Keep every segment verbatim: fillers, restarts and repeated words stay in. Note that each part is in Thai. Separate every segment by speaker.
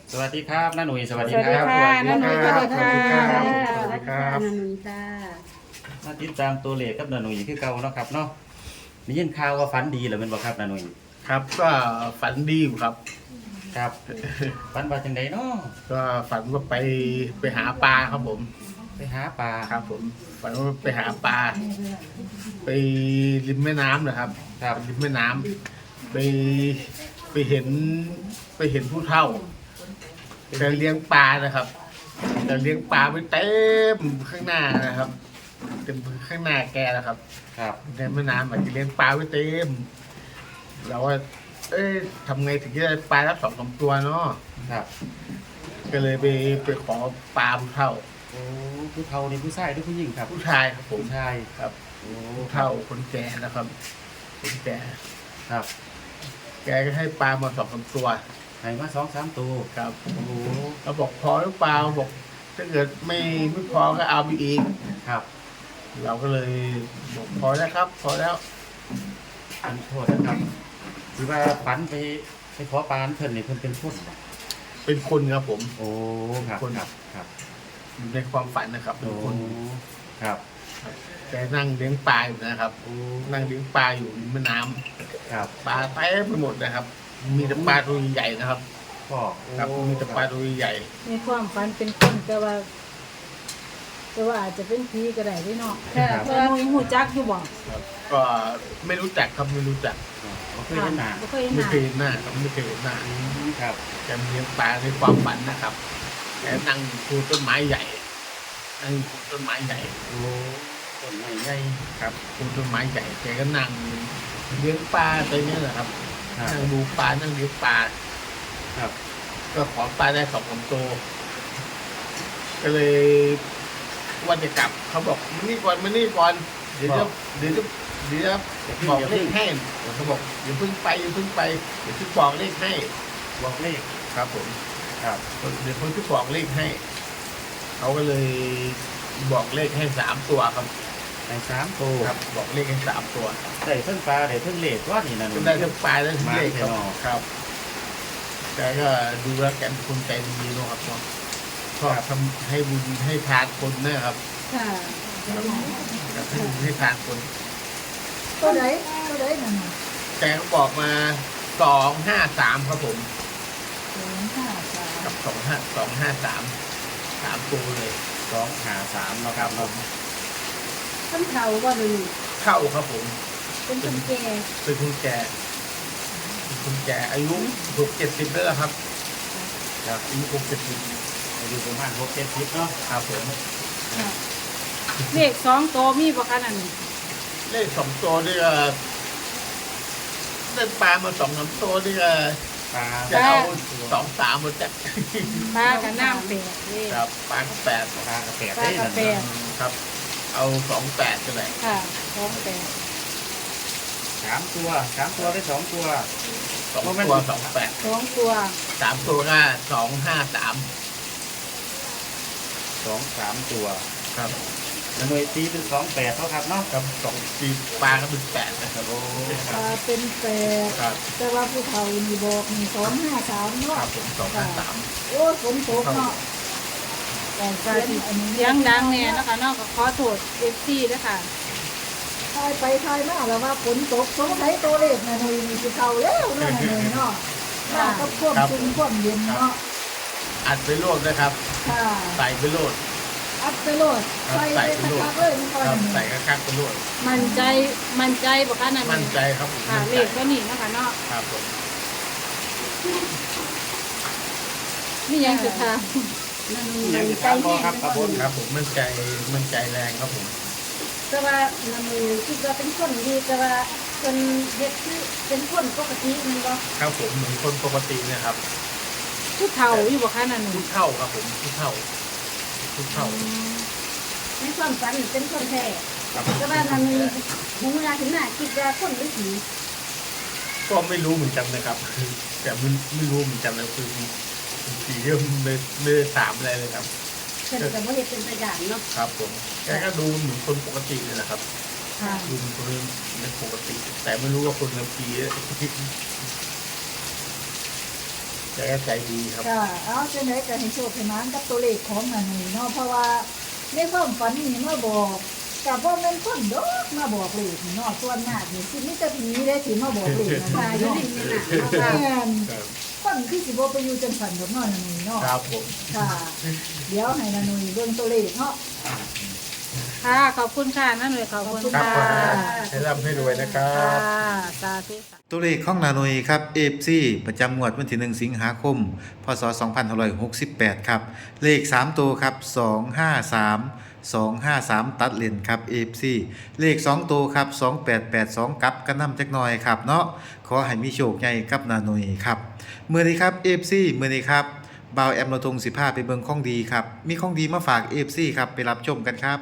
Speaker 1: สวัสดีครับน้าหนุ่ยสวัสดี
Speaker 2: สวัส
Speaker 1: ค
Speaker 2: ดี
Speaker 1: รับ
Speaker 2: ค่ะน้าหนุ่ยสวัสดีค่ะ
Speaker 3: สวัสดีครับนันนุนตา
Speaker 1: มาติดตามตัวเลขกับน้าหนุ่ยคือเก่าเนาะครับเนาะได้ยินข่าวว่าฝันดีเหรือเป็นบ่ครับน้าหนุ่ย
Speaker 4: ครับก็ฝันดีอยู่ครับ
Speaker 1: ครับฝันว่าจังไดเนาะ
Speaker 4: ก็ฝันว่าไปไปหาปลาครับผม
Speaker 1: ไปหาปลา
Speaker 4: ครับผมฝันว่าไปหาปลาไปริมแม่น้ำนะครับ
Speaker 1: ครับ
Speaker 4: ริมแม่น้ำไปไปเห็นไปเห็นผู้เฒ่าแกเลี้ยงปลานะครับแกเลี้ยงปลาไว้เต็มข้างหน้านะครับเต็มข้างหน้าแกนะครับ
Speaker 1: ครับ
Speaker 4: ในแม่น้ำอาจจะเลี้ยงปลาไว้เต็มเราว่า เอ้ยทำไงถึงจะได้ปลารับสองสามตัวเนาะ
Speaker 1: ครับ
Speaker 4: ก็เลยไปไปขอปลาผู้เฒ่า
Speaker 1: โอ้ผู้เฒ่านี่ผู้ชายหรือผู้หญิงครับ
Speaker 4: ผู้ชายครับผม
Speaker 1: ผู้ชาย
Speaker 4: ครับ
Speaker 1: โอ้
Speaker 4: ผู้เฒ่าคนแก่นะครับคนแก่
Speaker 1: ครับ
Speaker 4: แกก็ให้ปลามาสองสามตัว
Speaker 1: ให้มาสองสามตัว
Speaker 4: ครับ
Speaker 1: โอ้โห
Speaker 4: เราบอกพอหรือเปล่าบอกถ้าเกิดไม่ไม่พอก็เอาไปอีก
Speaker 1: ครับ
Speaker 4: เราก็เลยบอกพอแล้วครับ พอแล้ว
Speaker 1: อันโทษนะครับคือว่าฝันไปไปขอปลาอันเพิ่นนี่เพิ่นเป็นผู้
Speaker 4: เป็นคนครับผม
Speaker 1: โอ้ครับ
Speaker 4: คน
Speaker 1: ครับครับ
Speaker 4: อยู่ในความฝันนะครับเป็
Speaker 1: โอ้
Speaker 4: นคน
Speaker 1: ครับ
Speaker 4: แกนั่งเลี้ยงปลาอยู่นะครับ
Speaker 1: โอ้
Speaker 4: นั่งเลี้ยงปลาอยู่ริมแม่น้ำ
Speaker 1: ครับ
Speaker 4: ปลาเต็มไปหมดนะครับ มีแต่ปลาตัวใหญ่ๆนะครับ
Speaker 1: พ่อ
Speaker 4: ครับมีแต่ปลาตัวใหญ่
Speaker 2: ในความฝันเป็นคนแต่ว่าแต่ว่าอาจจะเป็นผีก็ได้ด้วยเนาะ
Speaker 3: ค่ะ
Speaker 2: เพราะว่าหนูหูจักอยู่บ่
Speaker 4: ครับก็ไม่รู้จักครับไม่รู้จัก
Speaker 1: เขาเคยเห็นหน้า
Speaker 2: บ่เคยเห็นห
Speaker 4: ไม่
Speaker 2: น้า
Speaker 4: เคยเห็นหน้าครับไม่เคยเห็นหน้า
Speaker 1: อืมครับ
Speaker 4: แกเลี้ยงปลาในความฝันนะครับแกนั่งคูต้นไม้ใหญ่นั่งคูต้นไม้ใหญ่
Speaker 1: โอ้ต้นไม้ใหญ่
Speaker 4: ครับคูต้นไม้ใหญ่แกก็นั่งเลี้ยงปลาไปเนี่ยแหละครับ
Speaker 1: ครับ
Speaker 4: นั่งดูปลานั่งเลี้ยงปลา
Speaker 1: ครับ
Speaker 4: ก็ขอปลาได้สองสามตัวก็เลยวันจะกลับเขาบอกมานี่ก่อนมานี่ก่อนเดี๋ยวจะเดี๋ยวจะเดี๋ยวจะบอกเลขให้เขาบอกอย่าเพิ่งไปอย่าเพิ่งไปเดี๋ยวจะบอกเลขให้
Speaker 1: บอกเลข
Speaker 4: ครับผม
Speaker 1: ครับ
Speaker 4: เดี๋ยวคนที่บอกเลขให้ เขาก็เลยบอกเลขให้สามตัวครับ
Speaker 1: ในสามตัว
Speaker 4: ครับ บอกเลขให้สามตัว
Speaker 1: ได้เพิ่งปลาได้เพิ่งเลขว่านี่นะหนู
Speaker 4: ก็ได้ทั้งปลายได้ทั้งเลขครับ
Speaker 1: มาเถอะเนาะ
Speaker 4: ครับแกก็ดูแล้วแกเป็นคนใจดีเนอะครับเนาะชอบทำให้บุญให้ทานคนนะครับ
Speaker 3: ค่ะ
Speaker 4: ครับให้บุญให้ทานคน
Speaker 3: ตัวไหนตัวไหนนั่นน่ะ
Speaker 4: แกก็บอกมาสองห้าสามครับผม
Speaker 3: สองห้าสาม
Speaker 4: กับสองห้าสองห้าสามสามตัวเลย
Speaker 1: สองหาสามเนาะครับเนาะ
Speaker 3: ท่านเฒ่าว่าเลย
Speaker 4: เข้าครับผม
Speaker 3: เป็นคนแก่
Speaker 4: เป็นคุณแก่เป็นคุณแก่อายุหกเจ็ดสิบแล้วล่ะครับ
Speaker 1: ครับ
Speaker 4: อายุหกเจ็ดสิบ
Speaker 1: อายุประมาณหกเจ็ดสิบเนาะ
Speaker 4: ครับผม
Speaker 3: ค่ะ
Speaker 2: เลขสองตัวมีบ่คะนั่น
Speaker 4: เลขสองตัวนี่ก็ได้ปลามาสองสามตัวนี่ก็
Speaker 1: ปลา
Speaker 4: จะเอาสองสามหมดจ้ะ
Speaker 2: ปลากับน้ำเป็ดเลข
Speaker 4: ครับปลาก็แปด
Speaker 1: ปลากระแปด
Speaker 2: ปลา
Speaker 1: ได้
Speaker 2: กระ
Speaker 1: นั่น
Speaker 2: แปด
Speaker 1: เนาะ
Speaker 4: ครับ เอาสองแปดก็ได้
Speaker 2: ค่ะสองแปด
Speaker 1: สามตัวสามตัวได้สองตัว
Speaker 4: สองตัวสองแปด
Speaker 2: สองตัว
Speaker 4: สามตัวก็สองห้าสาม
Speaker 1: สองสามตัว
Speaker 4: ครับ
Speaker 1: แล้วหน่วยตีเป็นสองแปดเท่าครับเนาะ
Speaker 4: ครับสองตีปลาก็เป็นแปดนะครับ
Speaker 1: โอ้
Speaker 2: ปลาเป็นแปด
Speaker 4: ครับ
Speaker 3: แต่ว่าผู้เฒ่านี่บอกนี่สองห้าสาม
Speaker 4: ค
Speaker 3: เนาะ
Speaker 4: รับผมสองห้าสาม
Speaker 3: โอ้ฝนตกเนาะ
Speaker 2: แต่ปลาที่เสียงดังแน่เนาะคะเนาะก็ขอโทษ เอฟ ซี ด้วยค่ะ
Speaker 3: ทายไปทายมาแล้วว่าฝนตกสงสัยตัวเลขน่ะหนุ่ยนี่สิเข้าแล้วเนาะหนุ่ยเนาะมากับความชุ่มความเย็นเนาะ
Speaker 4: อัดไปโลดนะครับ
Speaker 3: ค่ะ
Speaker 4: ใส่ไปโลด
Speaker 3: อัดไปโลด
Speaker 4: ครับ
Speaker 3: ใส่
Speaker 4: ใส่
Speaker 3: ไป
Speaker 4: ไปโลด
Speaker 3: คักๆเลยมันก่อน
Speaker 4: ครับ
Speaker 3: หนึ่ง
Speaker 4: ใส่กระคักไปโลด
Speaker 2: มั่นใจมั่นใจบ่คะนั่น
Speaker 4: มั่นใจครับผม
Speaker 2: ค่ะ
Speaker 4: มั่น
Speaker 2: เล
Speaker 4: ใจ
Speaker 2: ขก็นี่เนาะคะเนาะ
Speaker 4: ครับผม
Speaker 2: นี่ยังจะท
Speaker 3: นั่น
Speaker 1: ยัง
Speaker 3: มัน
Speaker 1: จะ
Speaker 3: ใจ
Speaker 1: ถามพ่อ
Speaker 3: แห้ง
Speaker 1: ครับครับผม
Speaker 4: ครับผมมั่นใจมั่นใจแรงครับผม
Speaker 3: แต่ว่ามันคิดว่าเป็นคนดีแต่ว่าเป็นเด็กที่เป็นคนปกติมันก็
Speaker 4: ครับผมเหมือนคนปกติเนะครับ
Speaker 2: ำผู้เฒ่าอยู่บ่คะนั่น
Speaker 4: ผู้เท่าครับผมผู้เท่าผู้เท่า
Speaker 3: ในความฝันเป็นคนแท้
Speaker 4: ครับ
Speaker 3: แต่ว่ามันมีหมูเวลาถึงหน้าคิดว่าคนหรือผี
Speaker 4: ก็ไม่รู้เหมือนกันนะครับ แต่ไม่ไม่รู้เหมือนกันนะคือผีก็ไม่ไม่ได้ถามอะไรเลยครับ
Speaker 3: เพิ่นก็บ่เฮ็ดเป็นตัวอย่างเนาะ
Speaker 4: ครับผมแกก็ดูเหมือนคนปกติเลยนะครับ
Speaker 3: ค่ะ
Speaker 4: ดูเป็นคนเป็นปกติ แต่ไม่รู้ว่าคนกับผีแกก็ใจดีครับ
Speaker 3: ค่ะเอาจังไดก็ให้โชคให้หมานกับตัวเลขของนาหนุ่ยเนาะเพราะว่าในความฝันนี่มาบอกกับว่าแม่นคนดอกมาบอกเลขนี่เนาะส่วนมากนี่สิมีแต่ผีได้สิมาบอกเลขนะ
Speaker 2: ค่ะ
Speaker 3: คะ
Speaker 2: อยู่
Speaker 3: เนาะ
Speaker 2: ในนี้น่ะ
Speaker 3: แม่น
Speaker 4: ครับ
Speaker 3: คนคือสิบ่ไปอยู่จังสันดอกเนาะนาหนุ่ยเนาะ
Speaker 4: ครับผม
Speaker 3: ค่ะ เดี๋ยวให้นาหนุ่ยเบิ่งตัวเลขเนาะ
Speaker 2: ค่ะขอบคุณค่ะนั่นเลยขอบคุณ
Speaker 4: ครับ
Speaker 2: ค่ะ
Speaker 4: ผมให้ร่ำให้รวยนะครั
Speaker 2: ค่ะ
Speaker 4: บ
Speaker 2: สาธุค่ะ
Speaker 5: ตัวเลขของนาหน่ยครับ เอฟ ซี ประจำงวดวันที่หนึ่งสิงหาคม พศ สองพันห้าร้อยหกสิบแปด ครับ เลข สาม ตัวครับ สอง ห้า สาม สอง ห้า สาม ตัดเลนครับ เอฟ ซี เลข สอง ตัวครับ สอง แปด แปด สอง กลับกันนำจักหน่อยครับเนาะขอให้มีโชคใหญ่กับนาหน่ยครับมื้อนี้ครับ เอฟ ซี มื้อนี้ครับบ่าวแอมเราทงสิพาไปเบิ่งของดีครับมีของดีมาฝาก เอฟ ซี ครับไปรับชมกันครับ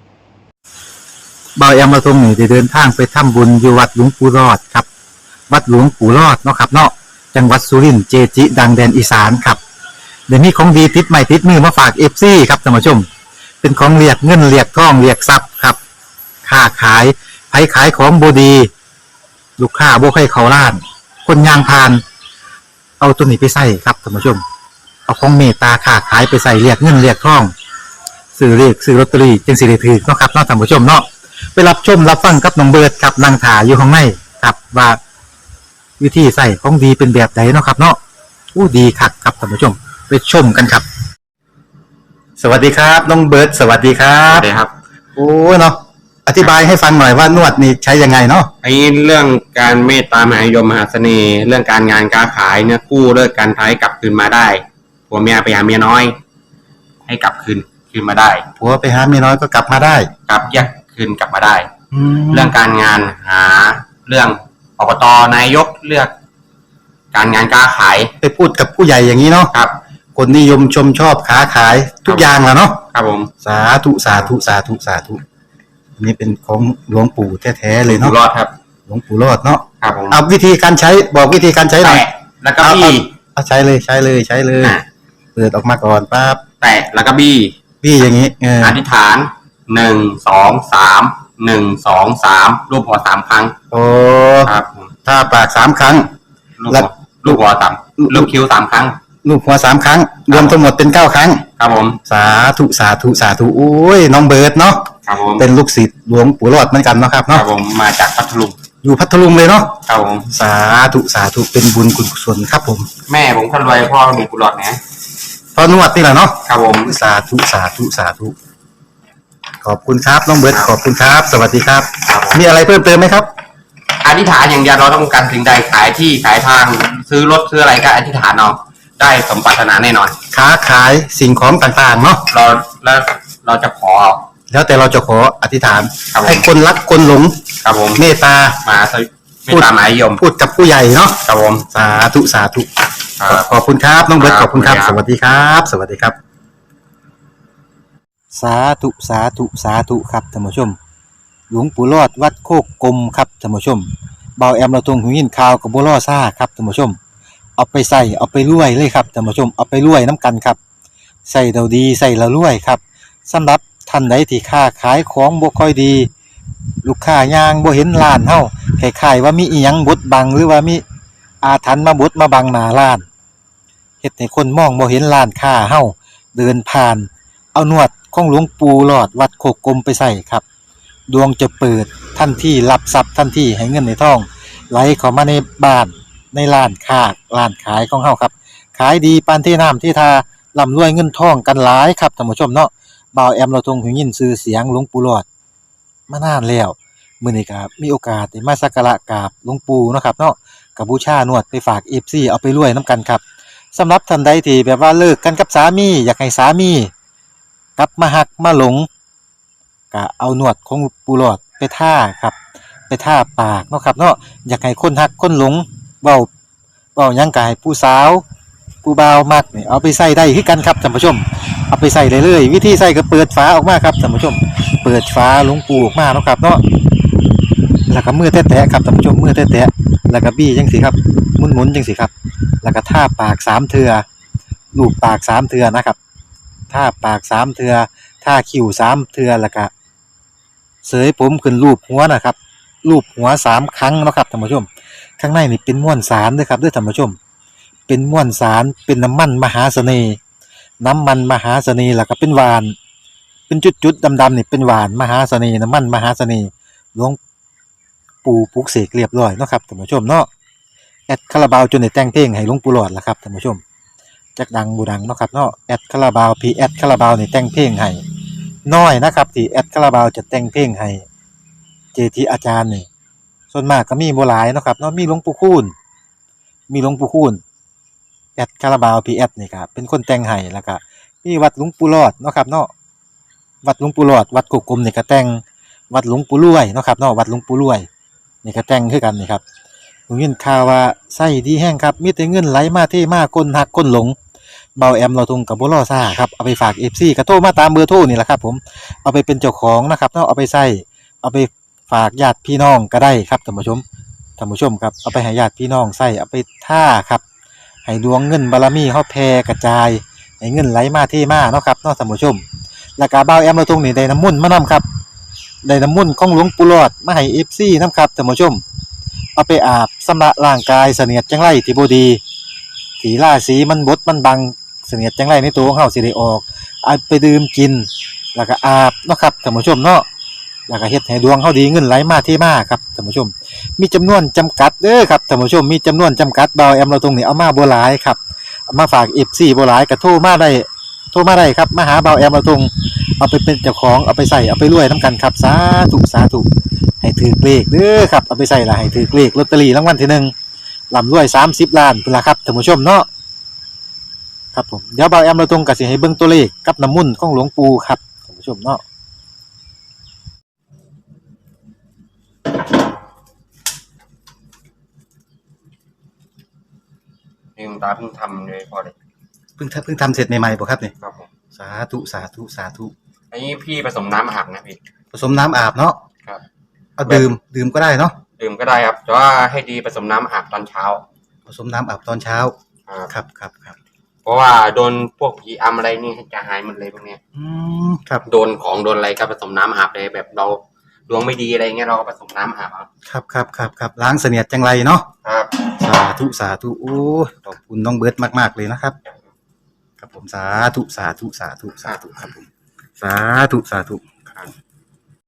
Speaker 5: บ่าวแอมเราทงนี่ได้เดินทางไปทำบุญอยู่วัดหลวงปู่รอดครับวัดหลวงปู่รอดเนาะครับเนาะจังหวัดสุรินทร์เจจิ ดังแดนอีสานครับเดี๋ยวนี้ของดีติดใหม่ติดมือมาฝาก เอฟ ซี ครับท่านผู้ชมเป็นของเรียกเงินเรียกทองเรียกทรัพย์ครับค้าขายไผขายของบดีลูกค้าบ่ใครเขาล้าน คนยางพาน เอาตัวนี้ไปใส่ครับท่านผู้ชมเอาของเมตตาค้าขายไปใส่เรียกเงินเรียกทองซื้อเรียกซื้อลอตเตอรี่จึงสิได้ถือเนาะครับเนาะท่านผู้ชมเนาะไปรับชมรับฟังกับน้องเบิร์ดครับนางถาอยู่ข้างในครับว่าวิธีใส่ของดีเป็นแบบไหนเนาะครับ เนาะอู้ดีคักครับท่านผู้ชมไปชมกันครับ สวัสดีครับน้องเบิร์ดสวัสดีครั
Speaker 6: ครับ บสวัสดีครับ
Speaker 5: โอ้เนาะอธิบายให้ฟังหน่อยว่านวดนี่ใช้ยังไงเนาะ
Speaker 6: ไอ้เรื่องการเมตตามหานิยมมหาเสน่ห์ เรื่องการงานการขายเนี่ยกู้เลิกการท้ายกลับคืนมาได้ผัวเมียไปหาเมียน้อย ให้กลับคืนคืนมาได้
Speaker 5: ผัวไปหาเมียน้อยก็กลับมาได้
Speaker 6: กลับแยกคืนกลับมาได้
Speaker 5: แล้
Speaker 6: เรื่
Speaker 5: ว
Speaker 6: องการงานหาเรื่องอบตนายกเลือก การงานการขาย
Speaker 5: ไปพูดกับผู้ใหญ่อย่างนี้เนาะ
Speaker 6: ครับ
Speaker 5: คนนิยมชมชอบค้าขายทุกอย่างแหละเนาะ
Speaker 6: ครับผม
Speaker 5: สาธุสาธุสาธุสาธุอันนี้เป็นของหลวงปู่แท้ๆเลย
Speaker 6: อยู่
Speaker 5: เนาะ
Speaker 6: รอดครับ
Speaker 5: หลวงปู่รอดเนาะ
Speaker 6: ครับผม
Speaker 5: เอาวิธีการใช้บอกวิธีการใช้หน่อย
Speaker 6: แตะแล้วก็บี้
Speaker 5: เอาใช้เลยใช้เลยใช้เลย
Speaker 6: อ่ะ
Speaker 5: เปิดออกมาก่อนปั๊บ
Speaker 6: แตะแล้วก็บี้
Speaker 5: พี่อย่างนี้เออ
Speaker 6: อธิษฐานหนึ่งสองสามหนึ่งสองสามรูปหัวสามครั้ง
Speaker 5: โอ้
Speaker 6: ครับผม
Speaker 5: ถ้าปากสามครั้ง
Speaker 6: ลูก
Speaker 5: แล้
Speaker 6: หั
Speaker 5: ว
Speaker 6: วลูกหัวสามลูกคิ้วสามครั้ง
Speaker 5: ลูกหัวสามครั้ง รวมทั้งหมดเป็นเก้าครั้ง
Speaker 6: ครับผม
Speaker 5: สาธุสาธุสาธุโอ้ยน้องเบิร์ดเนาะ
Speaker 6: ครับผม
Speaker 5: เป็นลูกศิษย์หลวงปู่รอดเหมือนกันเนาะครับ
Speaker 6: ครั
Speaker 5: เนาะ
Speaker 6: บผมมาจากพัทลุง
Speaker 5: อยู่พัทลุงเลยเนาะ
Speaker 6: ครับผม
Speaker 5: สาธุสาธุเป็นบุญกุศลครับผม
Speaker 6: แม่ผมคนรวยพ่อมีกุหลาบนะ
Speaker 5: พอนวดนี่แหละเนาะ
Speaker 6: ครับผม
Speaker 5: สาธุสาธุสาธุขอบคุณครับน้องเบิร์ดขอบคุณครับ สวัสดีครับ
Speaker 6: ครับผม
Speaker 5: มีอะไรเพิ่มเติมไหมครับ
Speaker 6: อธิษฐานอย่างเดียวเราต้องการสิ่งใดขายที่ขายทางซื้อรถซื้ออะไรก็อธิษฐานเอาได้สมปรารถนาแน่นอน
Speaker 5: ค้าขายสิ่งของต่างๆเนาะ
Speaker 6: เราแล้วเราจะขอ
Speaker 5: แล้วแต่เราจะขออธิษฐาน
Speaker 6: ครับผม
Speaker 5: ให้คนรักคนหลง
Speaker 6: ครับผม
Speaker 5: เมตตา
Speaker 6: มาสวิไม่ตามหมายยม
Speaker 5: พูดกับผู้ใหญ่เนาะ
Speaker 6: ครับผม
Speaker 5: สาธุสาธุ
Speaker 6: ครับ
Speaker 5: ขอบคุณครับน้องเบิร์ต
Speaker 6: ค
Speaker 5: ข
Speaker 6: รับ
Speaker 5: อบคุณครับ
Speaker 6: ขอบ
Speaker 5: ส
Speaker 6: คุณครับ
Speaker 5: วัสดีครับ สวัสดีครับ สาธุสาธุสาธุครับท่านผู้ชม หลวงปู่รอดวัดโคกกลมครับท่านผู้ชมเบาแอมเราทรงหูยินข่าวกับบัวล่อซ่าครับท่านผู้ชม เอาไปใส่เอาไปรวยเลยครับท่านผู้ชมเอาไปรวยน้ำกันครับใส่เราดีใส่เรารวยครับสำหรับท่านใดที่ค้าขายของบ่ค่อยดี ลูกค้ายางบ่เห็นร้านเฮาคล้ายๆว่ามีอีหยังบดบังหรือว่ามีอาถรรพ์มาบดมาบังหน้าร้านเฮ็ดให้คนมองบ่เห็นร้านค้าเฮาเดินผ่าน เอานวดของหลวงปู่หลอดวัดโคกกลมไปใส่ครับดวงจะเปิดทันทีรับทรัพย์ทันทีให้เงินในท้องไหลเข้ามาในบ้านในร้านค้าร้านขายของเฮาครับขายดีปานที่น้ำที่ทาร่ำรวยเงินทองกันหลายครับท่านผู้ชมเนาะบ่าวแอมเราทรงหูยินชื่อเสียงหลวงปู่หลอดมานานแล้วมื้อนี้ก็มีโอกาสได้มาสักการะกราบหลวงปู่เนาะครับเนาะก็บูชานวดไปฝาก เอฟ ซี เอาไปรวยนํกันครับสำหรับท่านใดที่แบบว่าเลิกกันกับสามีอยากให้สามีกลับมาหักมาหลงก็เอานวดของปู่หลอดไปท่าครับไปท่าปากเนาะครับเนาะอยากให้คนหักคนหลงเว้าเว้าหยังก็ให้ผู้สาวผู้บ่าวมักนี่เอาไปใส่ได้คือกันครับท่านผู้ชมเอาไปใส่ได้เลยวิธีใส่ก็เปิดฝาออกมาครับท่านผู้ชมเปิดฝาหลวงปู่ออกมาเนาะครับเนาะแล้วก็มือแตะๆครับท่านผู้ชมมือแตะๆแล้วก็บี้จังซี่ครับหมุนๆจังซี่ครับแล้วก็ท่าปากสามเทื่อลูบปากสามเทื่อนะครับท่าปากสามเทื่อท่าคิ้วสามเทื่อแล้วก็เสยผมขึ้นรูปหัวนะครับรูปหัวสามครั้งเนาะครับท่านผู้ชมข้างในนี่เป็นม้วนสารเด้อครับเด้อท่านผู้ชมเป็นม่วนสารเป็นน้ำมันมหาเสน่ห์น้ำมันมหาเสน่ห์แล้วก็เป็นหวานเป็นจุดๆดำๆนี่เป็นหวานมหาเสน่ห์น้ำมันมหาเสน่ห์หลวงปู่ปลุกเสกเรียบร้อยเนาะครับท่านผู้ชมเนาะแอดคาราบาวจนได้แต่งเพลงให้หลวงปู่หลอดล่ะครับท่านผู้ชมจักดังบ่ดังเนาะครับเนาะแอดคาราบาวพีแอดคาราบาวนี่แต่งเพลงให้น้อยนะครับที่แอดคาราบาวจะแต่งเพลงให้เจทีอาจารย์นี่ส่วนมากก็มีบ่หลายเนาะครับเนาะมีหลวงปู่คูณมีหลวงปู่คูณแอดคาราบาวพีแอดนี่ครับเป็นคนแต่งให้แล้วก็มีวัดหลวงปู่หลอดเนาะครับเนาะวัดหลวงปู่หลอดวัดกุกกลมนี่ก็แต่งวัดหลวงปู่รวยเนาะครับเนาะวัดหลวงปู่รวยนี่ก็แต่งคือกันนี่ครับผมยินข่าวว่าไส้ดีแห้งครับมีแต่เงินไหลมาเทมาคนหักคนหลงเบาแอมเราทงกับบ่รอซ่าครับเอาไปฝาก เอฟ ซี ก็โทรมาตามเบอร์โทรนี่แหละครับผมเอาไปเป็นเจ้าของนะครับเนาะเอาไปใส่เอาไปฝากญาติพี่น้องก็ได้ครับท่านผู้ชมท่านผู้ชมครับเอาไปให้ญาติพี่น้องใส่เอาไปท่าครับให้ดวงเงินบารมีเฮาแผ่กระจายให้เงินไหลมาเทมาเนาะครับเนาะท่านผู้ชมแล้วก็เบาแอมเราทงนี่ได้น้ำมนต์มานํครับได้น้ำมนต์ของหลวงปู่หลอดมาให้ เอฟ ซี นํครับท่านผู้ชมเอาไปอาบชำระร่างกายเสนียดจังไรที่บ่ดีที่ราศีมันบดมันบังเสนียดจังไรในตัวของเฮาสิได้ออกเอาไปดื่มกินแล้วก็อาบเนาะครับท่านผู้ชมเนาะแล้วก็เฮ็ดให้ดวงเฮาดีเงินไหลมาเทมาครับท่านผู้ชมมีจำนวนจำกัดเด้อครับท่านผู้ชมมีจำนวนจำกัดเบาแอมเราตรงนี้เอามาบ่หลายครับเอามาฝาก เอฟ ซี บ่หลายก็โทรมาได้โทรมาได้ครับมาหาเบาแอมเราตรงเอาไปเป็นเจ้าของเอาไปใส่เอาไปรวยนํกันครับสาธุสาธุให้ถือเลขเด้อครับเอาไปใส่ละให้ถือเลขลอตเตอรี่รางวัลที่หนึ่งร่ำรวยสามสิบล้านพุ่นล่ะครับท่านผู้ชมเนาะครับผมเดี๋ยวเบาแอมเราตรงก็สิให้เบิ่งตัวเลขกับน้ำมนต์ของหลวงปู่ครับท่านผู้ชมเนาะ
Speaker 6: นี่คุณตาเพิ่งทำเลยพอเลย
Speaker 5: เพิ่งทำเพิ่งทำเสร็จใหม่ๆป่ะครับเนี่ย
Speaker 6: ครับผม
Speaker 5: สาธุสาธุสาธุ
Speaker 6: อันนี้พี่ผสมน้ำอาบนะพี่
Speaker 5: ผสมน้ำอาบเนาะ
Speaker 6: ครับ
Speaker 5: เอาดื่มดื่มก็ได้เนาะ
Speaker 6: ดื่มก็ได้ครับแต่ว่าให้ดีผสมน้ำอาบตอนเช้า
Speaker 5: ผสมน้ำอาบตอนเช้า
Speaker 6: ครับ
Speaker 5: ครับครับครับ
Speaker 6: เพราะว่าโดนพวกผีอำอะไรนี่จะหายหมดเลยพวกเนี้ย
Speaker 5: อืมครับ
Speaker 6: โดนของโดนอะไรก็ผสมน้ำอาบเลยแบบเราดวงไม่ดีอะไรเงี้ยเราก็ผสมน้ำอาบเอา
Speaker 5: ครับครับครับครับล้างเสนียดจังไรเนาะ
Speaker 6: ครับ
Speaker 5: สาธุสาธุโอ้ยขอบคุณน้องเบิร์ตมากๆเลยนะครับครับผมสาธุสาธุสาธุสาธุครับผมสาธุสาธุ
Speaker 6: ครับ